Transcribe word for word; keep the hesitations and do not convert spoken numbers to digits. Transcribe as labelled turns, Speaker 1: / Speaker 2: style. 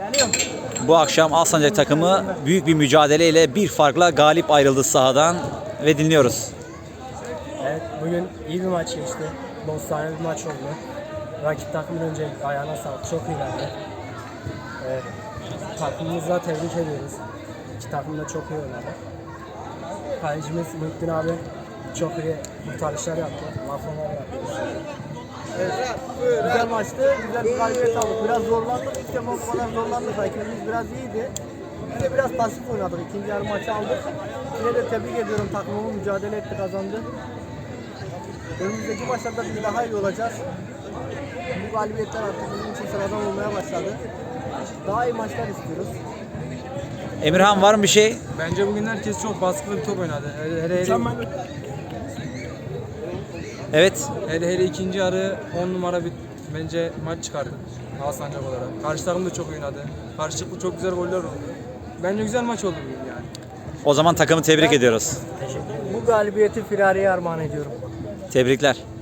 Speaker 1: Bu akşam Alsancak takımı büyük bir mücadeleyle bir farkla galip ayrıldı sahadan ve dinliyoruz.
Speaker 2: Evet, bugün iyi bir maç geçti. Dostane bir maç oldu. Rakip takımın önce ayağına sağlık. Çok iyilerdi. Evet, takımımızla tebrik ediyoruz. İki takım da çok iyi oynadı. Kalecimiz Muhittin abi çok iyi kurtarışlar yaptı. Laflar yaptı.
Speaker 3: Evet, güzel maçtı. Güzel bir galibiyet aldık. Biraz zorlandık. İlk defa bu kadar zorlandık. Rakibimiz biraz iyiydi. Biz de biraz pasif oynadık. İkinci yarı maçı aldık. Yine de tebrik ediyorum. Takımımız mücadele etti, kazandı. Önümüzdeki maçlarda biz daha iyi olacağız. Bu galibiyetler artık bizim için sıradan olmaya başladı. Daha iyi maçlar istiyoruz.
Speaker 1: Emirhan, var mı bir şey?
Speaker 4: Bence bugün herkes çok baskılı bir top oynadı. Hele hele, hele,
Speaker 1: Evet.
Speaker 4: hele, hele ikinci yarı on numara bir bence maç çıkardı Alsancak olarak. Karşı takım da çok oynadı. Karşılıklı çok güzel goller oldu. Bence güzel maç oldu bugün yani.
Speaker 1: O zaman takımı tebrik ediyoruz.
Speaker 2: Bu galibiyeti Firari'ye armağan ediyorum.
Speaker 1: Tebrikler.